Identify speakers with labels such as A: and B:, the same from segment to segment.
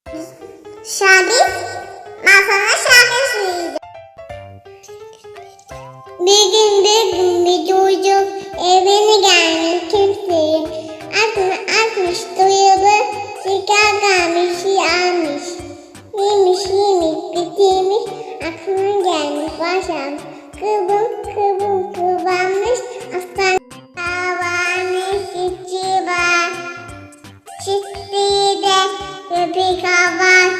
A: Şabis, ben sana şarkı söyleyeceğim. Bir gün bir çocuk evine gelmiş kimseyi. Atmış doyalı, şeker gelmiş, almış. Yemiş, bitirmiş, aklına gelmiş, başlamış. Kıvranmış, aslan havanın çiçeği var. Çiçeği de köpek var.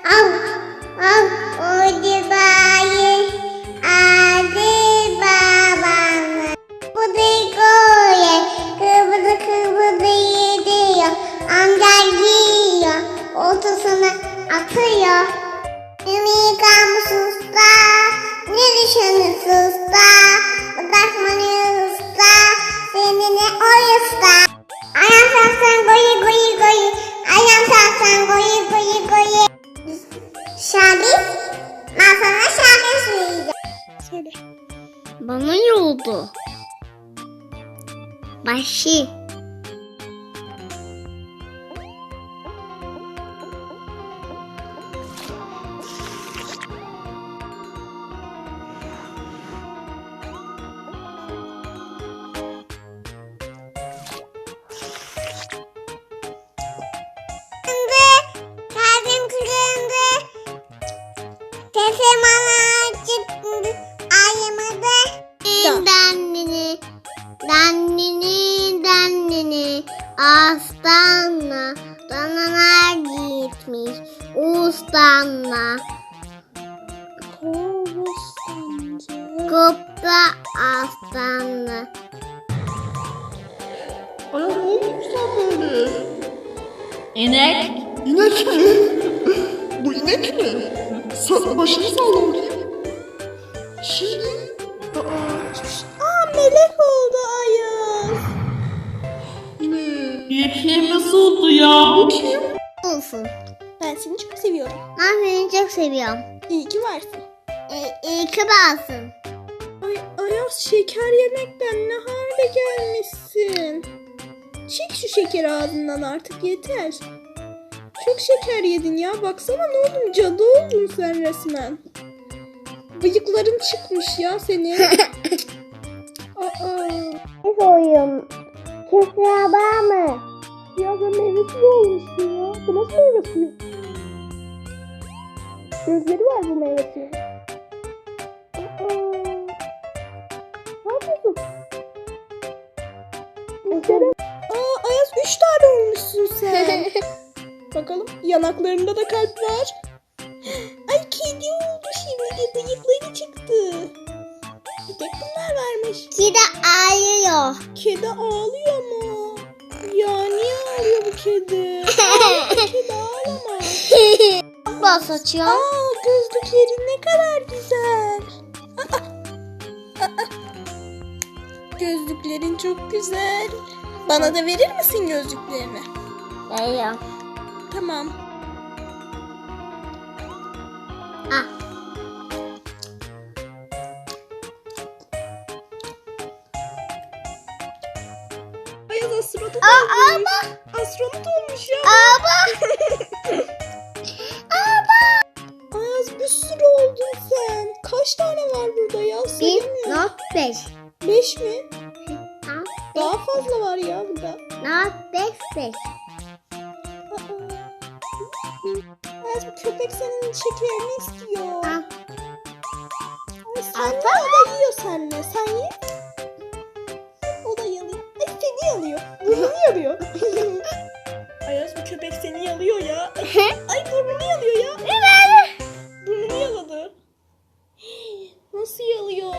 A: Oydu bayır, adı babamı. Bu da koyar, kıvırdı yediyor. Amca giyiyor, ortasına atıyor. Ümit kalmış usta, ne düşünürsün usta? Bırakmanı usta, seninle o usta. Ayağım sarsan goyi goyi goyi, ayağım sarsan goyi goyi goyi. Şabis, ben sana şarkı söyleyeceğim.
B: Söyle.
C: Bana yoldu. Başı.
A: Kalbim kırıldı. Sesim bana çıktı. Ayamadı. Dandini. Aslanla danalar gitmiş. Ustanla. Kopta aslanla.
B: Ay ne olmuş sen böyle?
C: İnek.
B: İnek mi? Bu inek mi? Sen başını salla bakayım. Şimdi... melek oldu Ayaz. Ne?
C: Yeşil nasıl oldu ya?
B: Kim?
A: Olsun.
B: Ben seni çok seviyorum.
A: Ben seni çok seviyorum.
B: İyi ki varsın.
A: İyi ki varsın.
B: Ay Ayaz şeker yemekten ne hale gelmişsin. Çek şu şekeri ağzından artık yeter. Çok şeker yedin ya. Baksana ne oldun? Cadı oldun sen resmen. Bıyıkların çıkmış ya senin. Aa.
A: Ne soruyorum? Kesra var mı?
B: Ya sen meyvesiz olmuşsun ya. Bu nasıl meyvesi? Gözleri var bu meyvesinin. Ne yapıyorsun? Gözleri... Ayaz 3 tane olmuşsun sen. Bakalım yanaklarında da kalp var. Ay kedi oldu şimdi de bıyıkları çıktı. Bir tek bunlar varmış.
A: Kedi ağlıyor.
B: Kedi ağlıyor mu? Ya niye ağlıyor bu kedi? Kedi ağlama.
A: Bas saçıyor.
B: Gözlüklerin ne kadar güzel. Gözlüklerin çok güzel. Bana da verir misin gözlüklerini?
A: Veriyorum.
B: Tamam. Ayaz astronot olmuş. Astronot olmuş ya. Ayaz bir sürü oldun sen. Kaç tane var burada ya? Sayamıyorum.
A: 1.5.
B: 5 mi? Daha fazla var ya burada.
A: 5.
B: Ayaz bu köpek senin şekerini istiyor.
A: Al.
B: Ay, sen de o da yiyor seninle. Sen ye. O da yalıyor. Ay seni yalıyor. Burnunu yalıyor. Ayaz bu köpek seni yalıyor ya. Ay burnunu